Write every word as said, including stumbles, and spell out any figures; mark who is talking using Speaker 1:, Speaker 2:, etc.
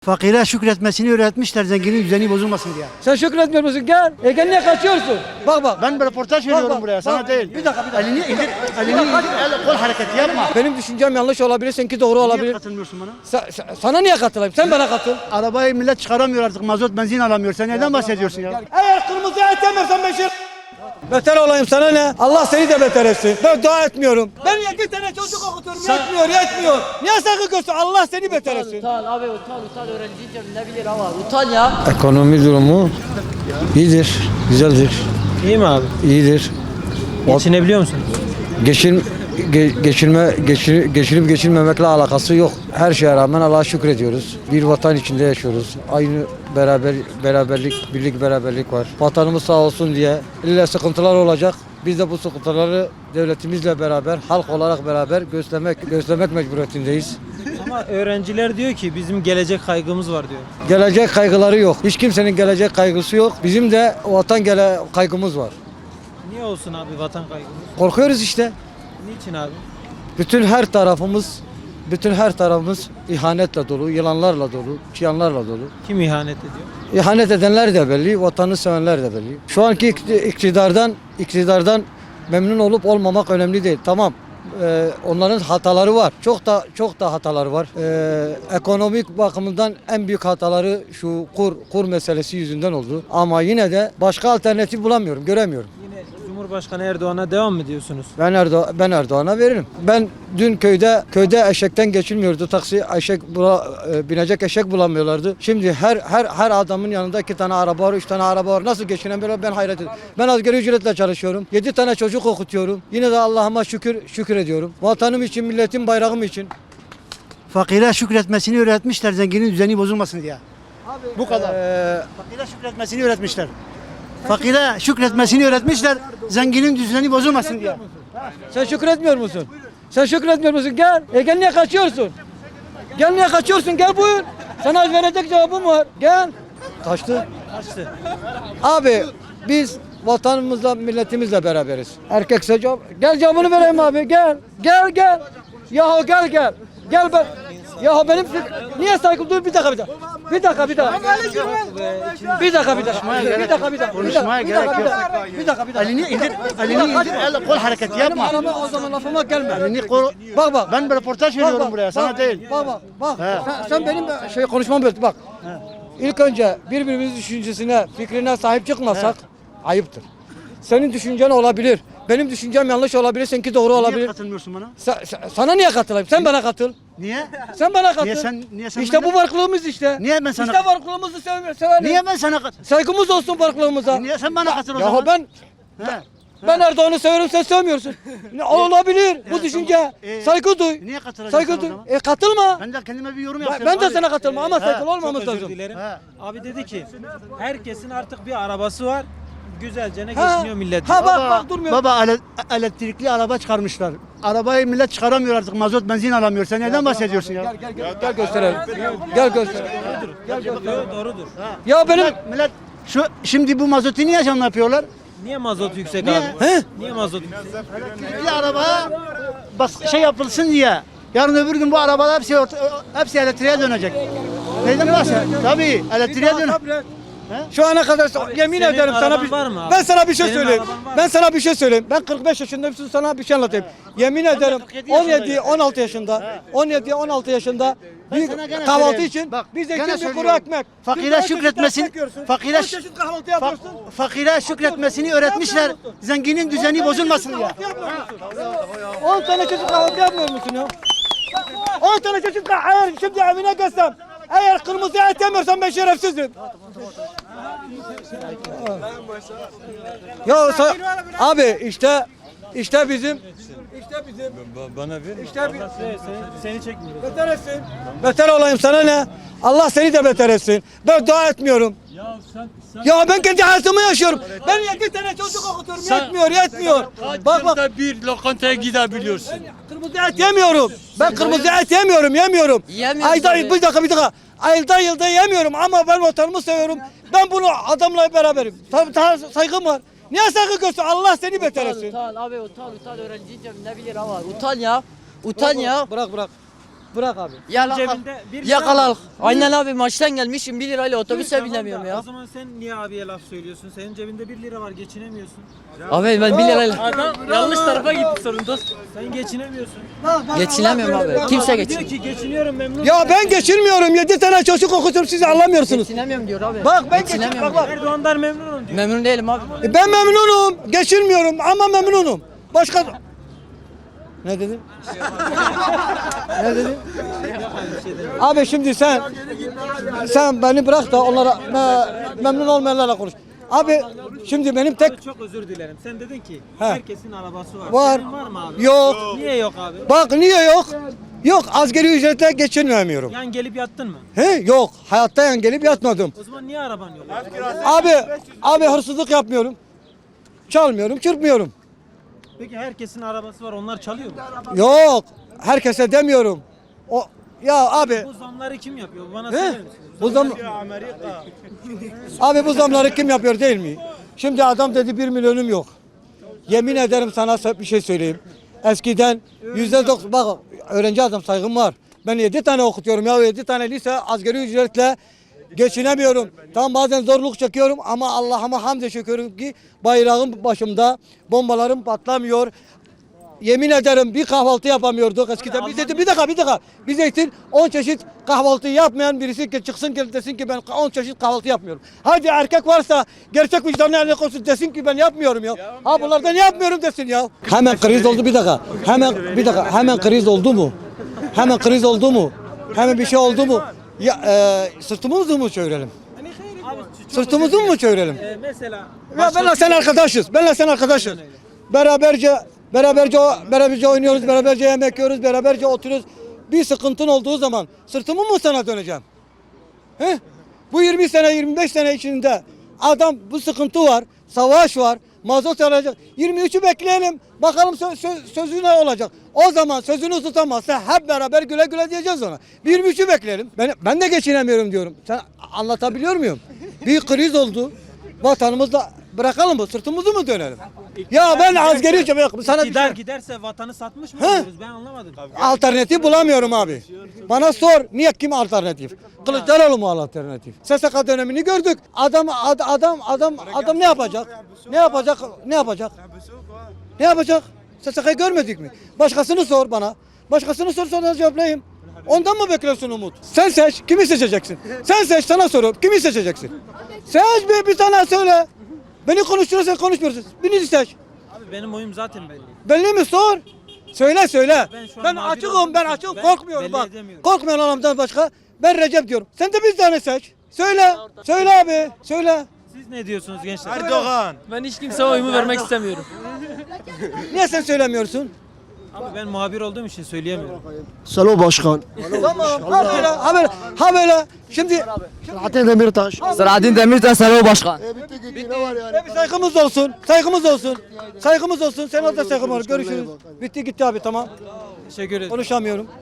Speaker 1: Fakire şükretmesini öğretmişler zenginin düzeni bozulmasın diye.
Speaker 2: Sen şükretmiyor musun? Gel. E gel niye kaçıyorsun? Bak bak.
Speaker 1: Ben bir röportaj veriyorum
Speaker 2: bak,
Speaker 1: buraya sana
Speaker 2: bak.
Speaker 1: değil.
Speaker 2: Bir dakika bir dakika.
Speaker 1: Elini indir, elini indir, el kol hareketi yapma.
Speaker 2: Benim düşüncem yanlış olabilir, seninki doğru
Speaker 1: Niye
Speaker 2: olabilir.
Speaker 1: katılmıyorsun bana?
Speaker 2: Sa- sa- sana niye katılayım? Sen bana katıl.
Speaker 1: Arabayı millet çıkaramıyor artık, mazot benzin alamıyor. Sen neden bahsediyorsun ya?
Speaker 2: Eğer kırmızı et yemezsen ben şey... Beter olayım sana ne? Allah seni de beter etsin. Ben dua etmiyorum. Ben yedi tane çocuk okutuyorum. Yetmiyor, yetmiyor. Niye sakın Allah seni beter etsin.
Speaker 3: Utan abi utan utan öğrenciyken ne bilir ama utan ya.
Speaker 4: Ekonomi durumu iyidir, güzeldir,
Speaker 5: İyi mi abi?
Speaker 4: iyidir.
Speaker 5: Geçinebiliyor musun?
Speaker 4: Geçin, ge- geçirme, geçir, geçirip geçirmemekle alakası yok. Her şeye rağmen Allah'a şükrediyoruz. Bir vatan içinde yaşıyoruz. Aynı beraber beraberlik, birlik beraberlik var. Vatanımız sağ olsun diye illa sıkıntılar olacak. Biz de bu sıkıntıları devletimizle beraber, halk olarak beraber göstermek, göstermek mecburiyetindeyiz.
Speaker 5: Ama öğrenciler diyor ki bizim gelecek kaygımız var diyor.
Speaker 4: Gelecek kaygıları yok. Hiç kimsenin gelecek kaygısı yok. Bizim de vatan gele kaygımız var.
Speaker 5: Niye olsun abi vatan kaygımız?
Speaker 4: Korkuyoruz işte.
Speaker 5: Niçin abi?
Speaker 4: Bütün her tarafımız, bütün her tarafımız ihanetle dolu, yılanlarla dolu, çıyanlarla dolu.
Speaker 5: Kim ihanet ediyor?
Speaker 4: İhanet edenler de belli, vatanı sevenler de belli. Şu anki ikti- iktidardan, iktidardan memnun olup olmamak önemli değil. Tamam. Ee, onların hataları var. Çok da çok da hataları var. Ee, ekonomik bakımından en büyük hataları şu kur kur meselesi yüzünden oldu. Ama yine de başka alternatif bulamıyorum, göremiyorum.
Speaker 5: Yine Cumhurbaşkanı Erdoğan'a devam mı diyorsunuz?
Speaker 4: Ben Erdoğan, ben Erdoğan'a veririm. Ben dün köyde köyde eşekten geçilmiyordu. Taksi eşek bula, e, binecek eşek bulamıyorlardı. Şimdi her her her adamın yanında iki tane araba var, üç tane araba var. Nasıl geçinemiyorlar ben hayret ediyorum. Ben asgari ücretle çalışıyorum. Yedi tane çocuk okutuyorum. Yine de Allah'ıma şükür şükür ediyorum. Vatanım için, milletim, bayrağım için.
Speaker 1: Fakire şükretmesini öğretmişler zenginin düzeni bozulmasın diye. Bu kadar.
Speaker 4: Ee,
Speaker 1: Fakire şükretmesini öğretmişler. Fakire şükretmesini öğretmişler zenginin düzeni bozulmasın diye.
Speaker 2: Sen şükretmiyor musun? Sen şükretmiyor musun? Gel. E gel niye kaçıyorsun? Gel niye kaçıyorsun? Gel buyur. Sana verecek cevabım var. Gel.
Speaker 4: kaçtı.
Speaker 5: Kaçtı.
Speaker 4: Abi biz vatanımızla, milletimizle beraberiz. Erkekse cevap. Gel cevabını vereyim abi. Gel. Gel gel. Yahu gel gel. Gel ben. Yahu benim fik- niye saygı dur bir dakika bir dakika. Bir dakika bir dakika. Bir dakika bir dakika. Bir dakika bir dakika.
Speaker 1: Konuşmaya
Speaker 2: Bir
Speaker 1: gerek
Speaker 2: dakika bir
Speaker 1: yok.
Speaker 2: dakika. Bir dakika bir dakika.
Speaker 1: Elini indir, elini indir, el kol hareketi
Speaker 2: Benim
Speaker 1: yapma.
Speaker 2: arama o zaman lafıma gelme.
Speaker 1: Elini kol...
Speaker 2: Bak bak.
Speaker 1: Ben bir röportaj veriyorum
Speaker 2: Bak, bak,
Speaker 1: buraya sana
Speaker 2: bak,
Speaker 1: değil.
Speaker 2: Bak bak bak.
Speaker 1: He.
Speaker 2: Sen, sen benim şey konuşmamı böldün bak. İlk önce birbirimizin düşüncesine, fikrine sahip çıkmasak ayıptır. Senin düşüncen olabilir. Benim düşüncem yanlış olabilir, seninki doğru
Speaker 1: Niye
Speaker 2: olabilir.
Speaker 1: katılmıyorsun bana?
Speaker 2: Sa- sa- sana niye katılayım? Sen bana katıl.
Speaker 1: Niye?
Speaker 2: Sen bana katıl.
Speaker 1: Niye sen- niye sen
Speaker 2: işte
Speaker 1: benden-
Speaker 2: bu farklılığımız işte.
Speaker 1: Niye ben sana-
Speaker 2: İşte farklılığımızı sev sevelim.
Speaker 1: Niye ben sana kat...
Speaker 2: Saygımız olsun farklılığımıza.
Speaker 1: Niye sen bana katıl o
Speaker 2: Yahu
Speaker 1: zaman?
Speaker 2: ben
Speaker 1: He.
Speaker 2: ben Erdoğan'ı severim, sen sevmiyorsun. Ne olabilir bu
Speaker 1: Ya,
Speaker 2: düşünce.
Speaker 1: tamam. Ee,
Speaker 2: Saygı duy.
Speaker 1: niye katılacaksın
Speaker 2: Saygı
Speaker 1: o
Speaker 2: duy.
Speaker 1: zaman?
Speaker 2: E katılma.
Speaker 1: Ben de kendime bir yorum
Speaker 2: Ben,
Speaker 1: yapıyorum.
Speaker 2: ben de
Speaker 1: abi.
Speaker 2: sana katılma ama
Speaker 1: He.
Speaker 2: saygılı
Speaker 5: Çok
Speaker 2: olmamız
Speaker 5: özür
Speaker 2: lazım.
Speaker 5: dilerim.
Speaker 1: He.
Speaker 5: Abi dedi ki herkesin artık bir arabası var. Güzelce ne
Speaker 2: Ha,
Speaker 5: geçiniyor millet.
Speaker 2: ha,
Speaker 5: diyor.
Speaker 2: bak, bak, durmuyor.
Speaker 1: Baba ele- elektrikli araba çıkarmışlar. Arabayı millet çıkaramıyor artık, mazot benzin alamıyor. Sen neden bahsediyorsun ya?
Speaker 2: Gel gel gel, gel gösterelim. Gel gösterelim. Gel gösterelim.
Speaker 5: Yo, doğrudur.
Speaker 2: Ya benim
Speaker 1: Millet, millet şu şimdi bu mazotu niye zam yapıyorlar?
Speaker 5: Niye mazot yüksek
Speaker 1: Niye?
Speaker 5: abi?
Speaker 1: He?
Speaker 5: Niye mazot yüksek?
Speaker 1: Elektrikli araba bas şey yapılsın diye. Yarın öbür gün bu arabalar hepsi orta- hepsi elektriğe dönecek. Neden bahsediyorsun? Tabii elektriğe dön.
Speaker 2: şu ana kadar yemin
Speaker 5: Senin
Speaker 2: ederim sana
Speaker 5: araban
Speaker 2: bir
Speaker 5: var mı abi?
Speaker 2: ben sana bir şey
Speaker 5: Senin
Speaker 2: söyleyeyim.
Speaker 5: araban var mı?
Speaker 2: Ben sana bir şey söyleyeyim. Ben kırk beş yaşındayım. Siz sana bir şey anlatayım. Yemin ederim
Speaker 1: kırk yedi
Speaker 2: on yedi
Speaker 1: yaşındayım.
Speaker 2: on altı yaşında on yedi on altı yaşında
Speaker 1: Ben
Speaker 2: bir
Speaker 1: sana gene
Speaker 2: kahvaltı
Speaker 1: söyleyeyim.
Speaker 2: için
Speaker 1: Bak,
Speaker 2: biz
Speaker 1: gene
Speaker 2: ekmek bir kuru
Speaker 1: söylüyorum.
Speaker 2: ekmek.
Speaker 1: Fakire
Speaker 2: Biz on çeşit
Speaker 1: şükretmesin-
Speaker 2: ekmek yiyorsun.
Speaker 1: fakire
Speaker 2: on
Speaker 1: şü-
Speaker 2: çeşit kahvaltı
Speaker 1: Fa-
Speaker 2: yapıyorsun.
Speaker 1: fakire şükretmesini öğretmişler. Zenginin düzeni bozulmasın diye.
Speaker 2: on tane çeşit kahvaltı yapmıyor musun ya? on tane çeşit kahvaltı. Eğer şimdi evine gelsem, eğer kırmızı et yemiyorsan ben şerefsizim. Ya sa- abi işte işte bizim işte bizim
Speaker 4: Bana ver.
Speaker 2: işte bir
Speaker 5: Seni, seni çekmiyor.
Speaker 2: beter etsin. Beter olayım sana ne? Allah seni de beter etsin. Ben dua etmiyorum. Ya ben kendi hayatımı yaşıyorum. Ben yedi tane çocuk okutuyorum. Yetmiyor, yetmiyor. Bak bak.
Speaker 6: bir lokantaya gidebiliyorsun.
Speaker 2: Kırmızı et yemiyorum. Ben kırmızı et yemiyorum, yemiyorum.
Speaker 3: Yemiyorsun
Speaker 2: Ayda
Speaker 3: tabii.
Speaker 2: bir dakika bir dakika. Ayda yılda yemiyorum ama ben vatanımı seviyorum. Ben bunu adamla beraberim. Tabii daha saygım var. Niye saygı göster? Allah seni beter
Speaker 3: Utan
Speaker 2: etsin.
Speaker 3: utan abi utan utan öğrenciyken ne bilir ama utan ya. Utan ya.
Speaker 2: Bırak bırak. Bırak abi.
Speaker 3: Yalaka.
Speaker 5: Cebinde bir lira
Speaker 3: Yakalalık.
Speaker 5: mı?
Speaker 3: Aynen abi maçtan gelmişim bir lirayla
Speaker 5: İyi,
Speaker 3: otobüse
Speaker 5: tamam da
Speaker 3: binemiyorum
Speaker 5: O
Speaker 3: ya.
Speaker 5: zaman sen niye abiye laf söylüyorsun? Senin cebinde bir lira var, geçinemiyorsun.
Speaker 3: Abi ben bir lirayla
Speaker 5: Adam yanlış tarafa gitti sorun dost. Sen geçinemiyorsun.
Speaker 3: geçinemiyorum abi. Kimse
Speaker 5: Diyor
Speaker 3: geçin.
Speaker 5: ki geçiniyorum memnun.
Speaker 2: Ya ben geçirmiyorum. Yedi tane çocuk okutuyorum siz anlamıyorsunuz.
Speaker 3: Geçinemiyorum diyor abi.
Speaker 2: Bak ben geçin,
Speaker 3: geçinemiyorum.
Speaker 2: bak bak.
Speaker 5: Erdoğan'dan memnunum diyor.
Speaker 3: Memnun değilim abi.
Speaker 2: E, Ben memnunum. Geçirmiyorum ama memnunum. Başka... Ne dedin? ne dedin? Abi şimdi sen sen beni bırak da onlara me- memnun olmayanlarla konuş. Abi şimdi benim tek
Speaker 5: Çok özür dilerim. Sen dedin ki
Speaker 2: He.
Speaker 5: herkesin arabası var.
Speaker 2: var.
Speaker 5: Senin var mı abi?
Speaker 2: Yok.
Speaker 5: Niye yok abi?
Speaker 2: Bak niye yok? Yok asgari ücretle geçinmiyorum.
Speaker 5: Yan gelip yattın mı?
Speaker 2: He yok. Hayatta yan gelip yatmadım.
Speaker 5: O zaman niye araban yok?
Speaker 2: Abi abi hırsızlık yapmıyorum. Çalmıyorum, çırpmıyorum.
Speaker 5: Peki herkesin arabası var, onlar çalıyor mu?
Speaker 2: Yok. Herkese demiyorum. O ya abi
Speaker 5: Bu zamları kim yapıyor? Bana
Speaker 2: He?
Speaker 5: söyler misiniz?
Speaker 2: Bu zam Abi bu zamları kim yapıyor değil mi? Şimdi adam dedi bir milyonum yok. Yemin ederim sana bir şey söyleyeyim. Eskiden yüzde doksan bak öğrenci adam saygım var. Ben yedi tane okutuyorum ya yedi tane lise asgari ücretle geçinemiyorum. Tam bazen zorluk çekiyorum ama Allah'ıma hamd şükür ki bayrağım başımda, bombalarım patlamıyor. Yemin ederim bir kahvaltı yapamıyorduk eskiden. Biz Zeytin, bir dakika bir dakika. Biz Zeytin on çeşit kahvaltı yapmayan birisi ki çıksın ki desin ki ben on çeşit kahvaltı yapmıyorum. Hadi erkek varsa gerçek vicdanı eline koysun desin ki ben yapmıyorum ya. Ha bunlardan yapmıyorum desin ya. Hemen kriz oldu bir dakika. Hemen bir dakika hemen kriz oldu mu? Hemen kriz oldu mu? Hemen bir şey oldu mu? Ya e, sırtımızı mı çevirelim?
Speaker 5: Abi, çok
Speaker 2: Sırtımızı
Speaker 5: özür
Speaker 2: mı çevirelim?
Speaker 5: dilerim. Ee, mesela
Speaker 2: Ya benle sen arkadaşız. Benle sen arkadaşız. Beraberce beraberce beraberce oynuyoruz, beraberce yemek yiyoruz, beraberce oturuyoruz. Bir sıkıntın olduğu zaman sırtımı mı sana döneceğim? He? Bu yirmi sene yirmi beş sene içinde adam bu sıkıntı var, savaş var, mazot alacak. yirmi üçü bekleyelim. Bakalım söz, söz, sözü ne olacak? O zaman sözünü tutamazsa hep beraber güle güle diyeceğiz ona. yirmi üçü bekleyelim. Ben, ben de geçinemiyorum diyorum. Sen anlatabiliyor muyum? Bir kriz oldu. Vatanımızda bırakalım mı? Sırtımızı mı dönelim? Ya ben asgari ücret yok. Sana bir
Speaker 5: gider
Speaker 2: şey,
Speaker 5: giderse vatanı satmış mı
Speaker 2: He?
Speaker 5: oluyoruz? Ben anlamadım.
Speaker 2: alternatif bulamıyorum abi. Bana sor niye kim alternatif? Kılıçdaroğlu mu alternatif? S S K dönemini gördük. Adam ad- adam adam adam ne yapacak? Ne yapacak? Ne yapacak? Ne yapacak? S S K'yı görmedik mi? Başkasını sor bana. Başkasını sor sana cevaplayayım. Ondan mı bekliyorsun umut? Sen seç. Kimi seçeceksin? Sen seç sana soruyorum. Kimi seçeceksin? Seç bir, bir tane söyle. Beni konuşturuyorsan konuşmuyorsun. Birini seç.
Speaker 5: Abi benim oyum zaten belli.
Speaker 2: Belli mi sor? Söyle söyle.
Speaker 5: Ben şu an
Speaker 2: Ben
Speaker 5: mağdur
Speaker 2: açığım
Speaker 5: olduğum
Speaker 2: ben
Speaker 5: için
Speaker 2: açığım
Speaker 5: ben
Speaker 2: korkmuyorum
Speaker 5: belli
Speaker 2: bak.
Speaker 5: edemiyorum.
Speaker 2: Korkmayan adamdan başka. Ben Recep diyorum. Sen de bir tane seç. Söyle. Söyle abi. Söyle.
Speaker 5: Siz ne diyorsunuz gençler?
Speaker 6: Erdoğan.
Speaker 5: Ben hiç kimseye oyumu vermek istemiyorum.
Speaker 2: Niye sen söylemiyorsun?
Speaker 5: Abi ben muhabir olduğum için söyleyemiyorum.
Speaker 7: Salo Başkan.
Speaker 2: Tamam. Ha böyle. Ha böyle. Ha böyle. Şimdi
Speaker 7: Selahattin Demirtaş.
Speaker 3: Selahattin Demirtaş Selo Başkan.
Speaker 7: E bitti gitti ne var yani?
Speaker 2: e, bir saygımız olsun. Saygımız olsun. Saygımız olsun. Senin de saygım var. Görüşürüz. Bitti gitti abi tamam.
Speaker 5: Teşekkür ederim.
Speaker 2: Konuşamıyorum.